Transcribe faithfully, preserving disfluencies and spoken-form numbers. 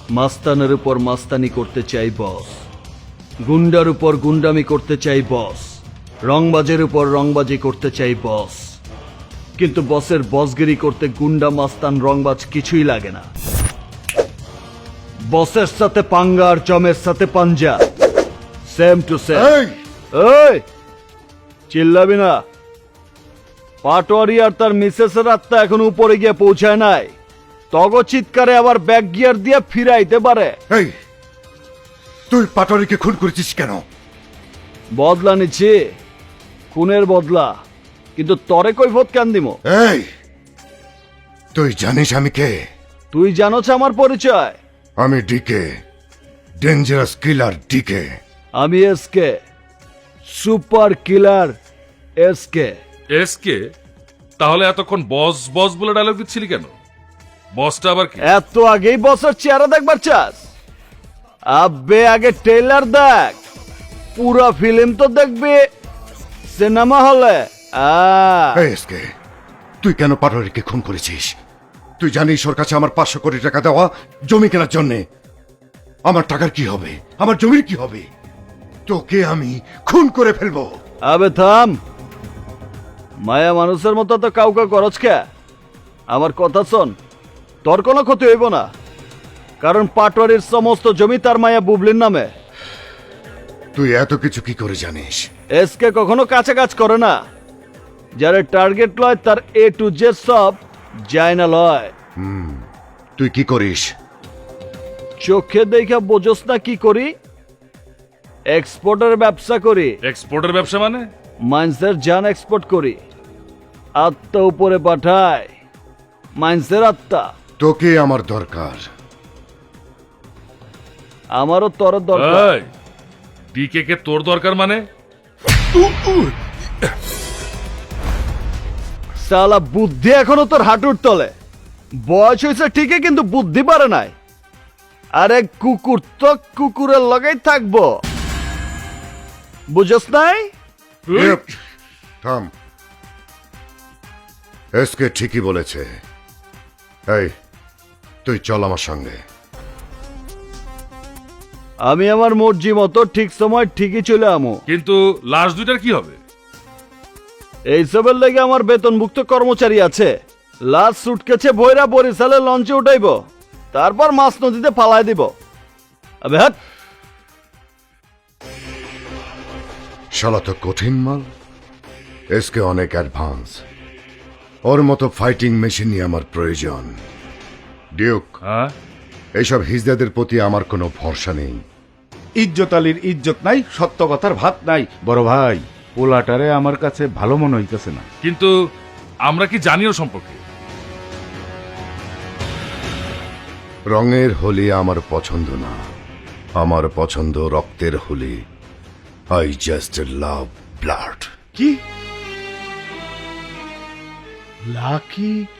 মাস্তানের উপর মাস্তানি করতে চাই বস, গুন্ডার উপর গুন্ডামি করতে চাই বস, রংবাজের উপর রংবাজি করতে চাই বস। কিন্তু বসের বসগিরি করতে গুন্ডা মাস্তান রংবাজ কিছুই লাগে না। বসের সাথে পাঙ্গা আর জমের সাথে পাঞ্জা, সেম টু সেম। এই চিল্লাবি না। পাটোয়ারি আর তার মিসেসের আত্মা এখন উপরে গিয়ে পৌঁছায় নাই। তগ চিৎকারে আবার ব্যাক গিয়ার দিয়ে ফিরাইতে পারে। এই তুই পাটোয়ারিকে খুন করেছিস কেন? বদলা নিচ্ছি, খুনের বদলা। কিন্তু তরে কৈফত কেন দিমো? এই তুই জানিস আমি কে? তুই জানোছ আমার পরিচয়? আমি ডিকে, ডেঞ্জারাস কিলার ডিকে। আমি SK, super killer SK. SK? তাহলে এতক্ষণ বস বস বলে ডায়লগ দিচ্ছিলি কেন? বসটা আবার কি? এত আগেই বসের চেহারা দেখবার চাস? আব্বে আগে ট্রেলার দেখ, পুরো ফিল্ম তো দেখবি সিনেমা হলে। এই এসকে, তুই কেন পাটোয়ারিকে খুন করেছিস? তুই জানিস ওর কাছে আমার পাঁচশো কোটি টাকা দেওয়া জমি কেনার জন্যে। আমার টাকার কি হবে? আমার জমির কি হবে? তোকে আমি খুন করে ফেলবো। আবে থাম, মায়া মানুষের মতো তো কাউকে করছ কে? আমার কথা শোন, তোর কোনো ক্ষতি হইব না, কারণ পাটোয়ারির সমস্ত জমি তার মায়া বুবলির নামে। তুই এত কিছু কি করে জানিস? এসকে কখনো কাছে কাজ করে না। যারা টার্গেট লয় তার এ টু জেড সব যায় না লয়। তুই কি করিস? চোখে দেখা বোঝস না কি করি? এক্সপোর্টের ব্যবসা করি। এক্সপোর্টের ব্যবসা মানে? মাইন্সের জান এক্সপোর্ট করি, আত্মা উপরে পাঠায়। মাইন্সের আত্মা। তোকে আমার দরকার। আমারও তোর দরকার। এই, ডিকে কে তোর দরকার মানে? সালা বুদ্ধি এখনো তোর হাঁটুর তলে। বয়স হয়েছে ঠিকই, কিন্তু বুদ্ধি পারে নাই। আরে কুকুর তো কুকুরের লগেই থাকবো, বুঝস নাই? ইপ, থাম। এসকে ঠিকই বলেছে। এই তুই চল আমার সঙ্গে। আমি আমার মর্জি মতো ঠিক সময় ঠিকই চলে আমো। কিন্তু লাশ দুইটার কি হবে? এইসবের লেগে আমার বেতনভুক্ত কর্মচারী আছে। লাশ সুটকেছে ভৈরা বরিশালে লঞ্চে উঠাইব, তারপর মাছ নদীতে ফালাই দিব। আবে হাট। শালা তো কঠিন মাল। এসকে অনেক অ্যাডভান্স। ওর মতো ফাইটিং মেশিনই আমার প্রয়োজন। ডিউক, হ্যাঁ, এইসব হিজদাদের প্রতি আমার কোনো ভরসা নেই। ইজ্জত আলীর ইজ্জত নাই, সত্য কথার ভাত নাই। বড় ভাই, পোলাটারে আমার কাছে ভালো মনে হইতেছে না। কিন্তু আমরা কি জানি ওর সম্পর্কে? রঙের হোলি আমার পছন্দ না, আমার পছন্দ রক্তের Holi. I just love blood. কি লাকি